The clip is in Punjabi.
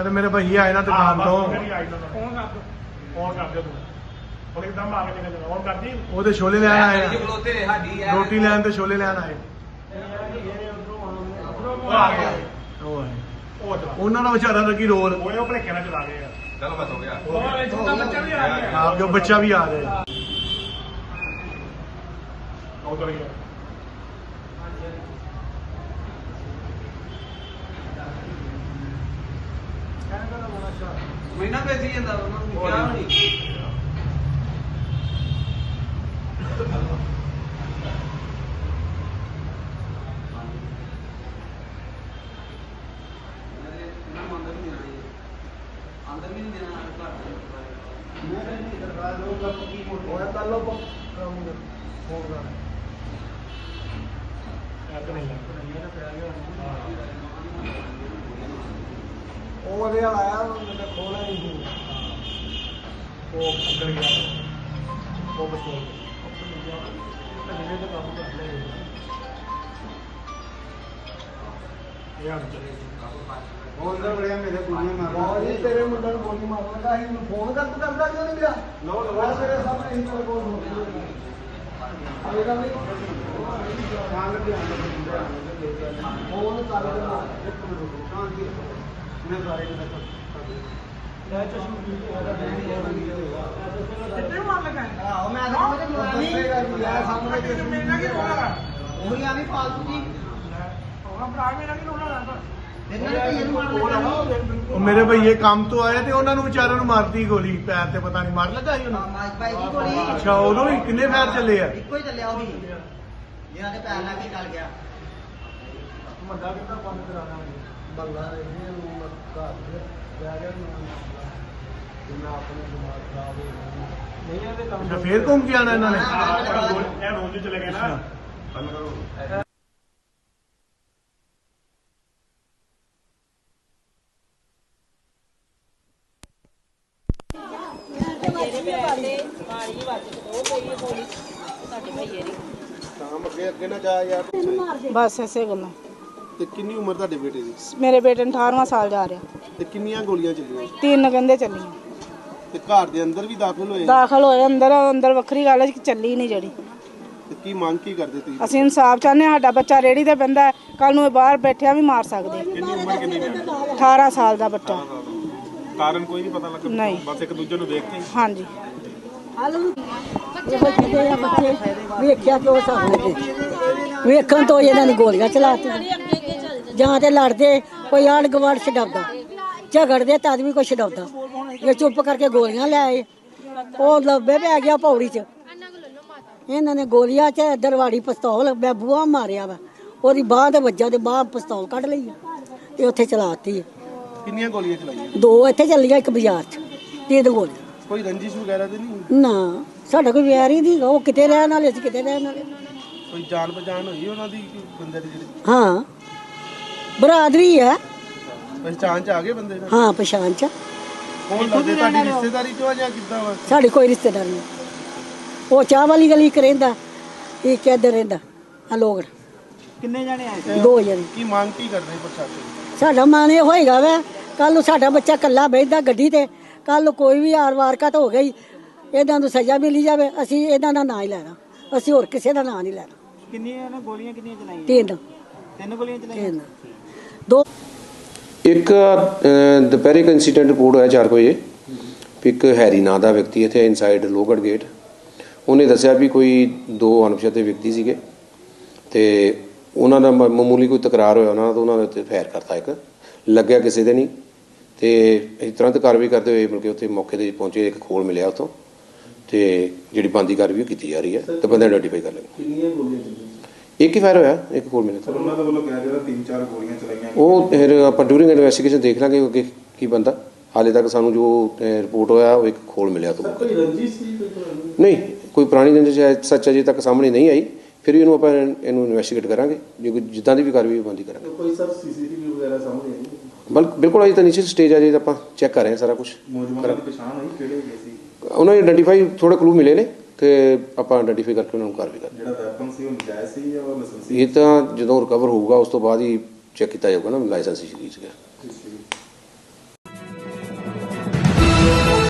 ਤੇ ਮੇਰੇ ਭਈਏ ਆਏ ਨਾ ਦੁਕਾਨ ਤੋਂ ਉਹਦੇ ਛੋਲੇ ਲੈਣ ਆਏ ਆ, ਰੋਟੀ ਲੈਣ ਤੇ ਛੋਲੇ ਲੈਣ ਆਏ। ਉਹਨਾਂ ਦਾ ਵਿਚਾਰਾ ਲੱਗੀ ਰੋਲ, ਆਪ ਜੋ ਬੱਚਾ ਵੀ ਆ ਰਿਹਾ। ਮਹੀਨਾ ਭੇਜੀ ਜਾਂਦਾ ਉਹਨਾਂ ਨੂੰ ਕਿਹਾ ਨਹੀਂ। अंदर भी नहीं देना आया खोला नहीं वो अंदर गया वो बच्चों तेरे मुंडे गोली मारना फोन करता क्यों नहीं गया तेरे सामने फोन मेरे भईए काम तो आए थे उन्होंने बेचारे मारती गोली पैर से पता नहीं मार लगा ही अच्छा उदों ही किन्ने पैर चले आ फिर घूम के आना इन्होंने चले गए ना। बस ऐसे गल्लां ਤੇ ਕਿੰਨੀ ਉਮਰ ਤੁਹਾਡੇ ਬੇਟੇ ਦੀ? मेरे बेटे ने 18वां साल जा रहा। ਤੇ ਕਿੰਨੀਆਂ ਗੋਲੀਆਂ ਚੱਲੀਆਂ? 3 ਕਹਿੰਦੇ ਚੱਲੀਆਂ। ਤੇ ਘਰ ਦੇ ਅੰਦਰ ਵੀ ਦਾਖਲ ਹੋਏ? ਦਾਖਲ ਹੋਏ ਅੰਦਰ ਵੱਖਰੀ ਗੱਲ ਹੈ ਕਿ ਚੱਲੀ ਨਹੀਂ ਜਿਹੜੀ। ਤੇ ਕੀ ਮੰਗ ਕੀ ਕਰਦੇ ਤੁਸੀਂ? ਅਸੀਂ ਇਨਸਾਫ ਚਾਹੁੰਦੇ ਹਾਂ। ਸਾਡਾ ਬੱਚਾ ਰੇੜੀ ਤੇ ਪੈਂਦਾ ਕੱਲ ਨੂੰ ਬਾਹਰ ਬੈਠਿਆ ਵੀ ਮਾਰ ਸਕਦੇ। ਕਿੰਨੀ ਉਮਰ ਕਿੰਨੀ ਹੈ? 18 ਸਾਲ ਦਾ ਬੱਚਾ। ਕਾਰਨ ਕੋਈ ਨਹੀਂ ਪਤਾ ਲੱਗਾ? ਨਹੀਂ, ਬਸ ਇੱਕ ਦੂਜੇ ਨੂੰ ਦੇਖ ਕੇ। ਹਾਂਜੀ ਵੇਖਿਆ ਕਿਉਂ ਸਾਹਮਣੇ ਵੇਖਣ ਤੋਂ ਇਹਨਾਂ ਨੇ ਗੋਲੀਆਂ ਚਲਾਤੀਆਂ ਜਾਂ ਤੇ ਲੜਦੇ ਕੋਈ ਆਂਢ ਗੁਆਂਢ ਛਡਾਉਂਦਾ ਝਗੜਦੇ ਤਦ ਵੀ ਕੋਈ ਛਡਾਉਂਦਾ ਇਹ ਚੁੱਪ ਕਰਕੇ ਗੋਲੀਆਂ ਲੈ ਆਏ ਉਹ ਲੱਭੇ ਪੈ ਗਿਆ ਪੌੜੀ 'ਚ ਇਹਨਾਂ ਨੇ ਗੋਲੀਆਂ 'ਚ ਦਰਵਾੜੀ ਪਿਸਤੌਲ ਮੈਂ ਬੂਹਾ ਮਾਰਿਆ ਵਾ ਉਹਦੀ ਬਾਂਹ ਤੇ ਵੱਜਾ ਤੇ ਬਾਂਹ ਪਿਸਤੌਲ ਕੱਢ ਲਈ ਆ ਤੇ ਉੱਥੇ ਚਲਾਤੀ ਹੈ। ਕਿੰਨੀਆਂ ਗੋਲੀਆਂ ਚਲਾਈਆਂ? 2 ਇੱਥੇ ਚੱਲੀਆਂ ਇੱਕ ਬਾਜ਼ਾਰ 'ਚ 3 ਗੋਲੀਆਂ। ਕੋਈ ਰੰਜਿਸ਼ ਵਗੈਰਾ ਤੇ ਨਹੀਂ? ਨਾ ਸਾਡਾ ਕੋਈ ਵਿਆਹ ਹੀ ਨਹੀਂ ਉਹ ਕਿਤੇ ਰਹਿਣ ਵਾਲੇ ਸੀ ਕਿਤੇ ਰਹਿਣ ਵਾਲੇ। ਕੋਈ ਜਾਣ ਪਛਾਣ ਹੋਈ ਉਹਨਾਂ ਦੀ ਬੰਦੇ ਦੀ ਜਿਹੜੀ? ਹਾਂ ਬਰਾਦਰੀ ਹੈ। ਪਛਾਣ ਚ ਆ ਗਏ ਬੰਦੇ? ਹਾਂ ਪਛਾਣ ਚ। ਕੌਣ ਲੱਗਦੇ ਤੁਹਾਡੀ ਰਿਸ਼ਤੇਦਾਰੀ ਚੋਂ ਜਾਂ ਕਿੱਦਾਂ ਵਾ? ਸਾਡੀ ਕੋਈ ਰਿਸ਼ਤੇਦਾਰ ਨਹੀਂ। ਉਹ ਚਾਹ ਵਾਲੀ ਗਲੀ ਕ ਰਹਿੰਦਾ ਇਹ ਕਿੱਧਰ ਰਹਿੰਦਾ ਆ ਲੋਕ। ਕਿੰਨੇ ਜਾਣੇ ਆਏ? 2 ਜਣੇ। ਕੀ ਮੰਗ ਕੀ ਕਰਦੇ ਪ੍ਰਸ਼ਾਸਨ? ਸਾਡਾ ਮਨ ਇਹ ਹੋਏਗਾ ਵਾ ਕੱਲ ਨੂੰ ਸਾਡਾ ਬੱਚਾ ਕੱਲਾ ਬੈਠਦਾ ਗੱਡੀ ਤੇ ਕੱਲ ਨੂੰ ਕੋਈ ਵੀ ਵਾਰਕਤ ਹੋ ਗਈ ਇਹਨਾਂ ਨੂੰ ਸਜ਼ਾ ਮਿਲੀ ਜਾਵੇ ਅਸੀਂ ਇਹਨਾਂ ਦਾ ਨਾਂ ਹੀ ਲੈਣਾ ਅਸੀਂ ਹੋਰ ਕਿਸੇ ਦਾ ਨਾਂ ਨਹੀਂ ਲੈਣਾ। ਕਿੰਨੀਆਂ ਗੋਲੀਆਂ ਕਿੰਨੀਆਂ ਚਲਾਈਆਂ? 3 ਗੋਲੀਆਂ ਚਲਾਈਆਂ। 2 ਇੱਕ ਦੁਪਹਿਰੇ ਇੱਕ ਇੰਸੀਡੈਂਟ ਰਿਪੋਰਟ ਹੋਇਆ 4 ਵਜੇ ਇੱਕ ਹੈਰੀ ਨਾਂ ਦਾ ਵਿਅਕਤੀ ਇੱਥੇ ਇਨਸਾਈਡ ਲੋਹਗੜ੍ਹ ਗੇਟ ਉਹਨੇ ਦੱਸਿਆ ਵੀ ਕੋਈ 2 ਅਣਪਛਾਤੇ ਵਿਅਕਤੀ ਸੀਗੇ ਤੇ ਉਹਨਾਂ ਦਾ ਮਾਮੂਲੀ ਕੋਈ ਤਕਰਾਰ ਹੋਇਆ ਉਹਨਾਂ ਦਾ ਉਹਨਾਂ ਦੇ ਉੱਤੇ ਫਾਇਰ ਕਰਤਾ ਇੱਕ ਲੱਗਿਆ ਕਿਸੇ ਦੇ ਨਹੀਂ ਤੇ ਅਸੀਂ ਤੁਰੰਤ ਕਾਰਵਾਈ ਕਰਦੇ ਹੋਏ ਮਿਲ ਕੇ ਉੱਥੇ ਮੌਕੇ 'ਤੇ ਪਹੁੰਚੇ ਇੱਕ ਖੋਲ ਮਿਲਿਆ ਉੱਥੋਂ ਤੇ ਜਿਹੜੀ ਬਣਦੀ ਕਾਰਵਾਈ ਕੀਤੀ ਜਾ ਰਹੀ ਹੈ ਤੇ ਬੰਦੇ ਆਈਡੈਂਟੀਫਾਈ ਕਰ ਲਏ। ਕਿੰਨੀਆਂ ਗੋਲੀਆਂ ਚੱਲੀਆਂ? ਇੱਕ ਹੀ ਫਾਇਰ ਹੋਇਆ ਇੱਕ ਖੋਲ ਮਿਲਿਆ। ਉਹਨਾਂ ਦੇ ਵੱਲੋਂ ਕਿਹਾ ਜਿਹੜਾ 3-4 ਗੋਲੀਆਂ ਚਲਾਈਆਂ ਉਹ ਫਿਰ ਆਪਾਂ ਡਿਊਰਿੰਗ ਇਨਵੈਸਟੀਗੇਸ਼ਨ ਦੇਖ ਲਾਂਗੇ ਅੱਗੇ ਕੀ ਬੰਦਾ। ਹਾਲੇ ਤੱਕ ਸਾਨੂੰ ਜੋ ਰਿਪੋਰਟ ਹੋਇਆ ਉਹ ਇੱਕ ਖੋਲ ਮਿਲਿਆ ਤੋਂ। ਕੋਈ ਰੰਜਿਸ਼ ਸੀ? ਨਹੀਂ ਕੋਈ ਪੁਰਾਣੀ ਰੰਜਿਸ਼ ਸੱਚ ਅਜੇ ਤੱਕ ਸਾਹਮਣੇ ਨਹੀਂ ਆਈ ਫਿਰ ਵੀ ਇਹਨੂੰ ਆਪਾਂ ਇਹਨੂੰ ਇਨਵੈਸਟੀਗੇਟ ਕਰਾਂਗੇ ਜੇ ਕੋਈ ਜਿੱਦਾਂ ਦੀ ਵੀ ਕਾਰਵਾਈ ਬੰਦੀ ਕਰਾਂਗੇ। ਕੋਈ ਸਰ ਸੀਸੀਟੀਵੀ ਵਗੈਰਾ ਸਾਹਮਣੇ ਆਈ? ਬਿਲਕੁਲ ਅਜੇ ਤਾਂ ਨੀਚੇ ਸਟੇਜ ਆ ਜੇ ਆਪਾਂ ਚੈੱਕ ਕਰ ਰਹੇ ਹਾਂ ਸਾਰਾ ਕੁਝ। ਮੌਜੂਦਾ ਦੀ ਪਛਾਣ ਹੋਈ ਕਿਹੜੇ ਹੈਗੇ ਸੀ? ਉਹਨਾਂ ਨੇ ਆਈਡੈਂਟੀਫਾਈ ਥੋੜੇ ਕਲੂ ਮਿਲੇ ਨੇ ਕਿ ਆਪਾਂ ਆਈਡੈਂਟੀਫਾਈ ਕਰਕੇ ਉਹਨਾਂ ਨੂੰ ਕਾਰਵਾਈ ਕਰਾਂਗੇ। ਜਿਹੜਾ ਵੈਪਨ ਸੀ ਉਹ ਨਜਾਇਜ਼ ਸੀ ਜਾਂ ਉਹ ਲਾਇਸੈਂਸ ਸੀ? ਇਹ ਤਾਂ ਜਦੋਂ ਰਿਕਵਰ ਹੋਊਗਾ ਉਸ ਤੋਂ ਬਾਅਦ ਹੀ ਚੈੱਕ ਕੀਤਾ ਜਾਊਗਾ ਨਾ ਲਾਇਸੈਂਸ ਇਸ਼ੂ ਕੀਤਾ।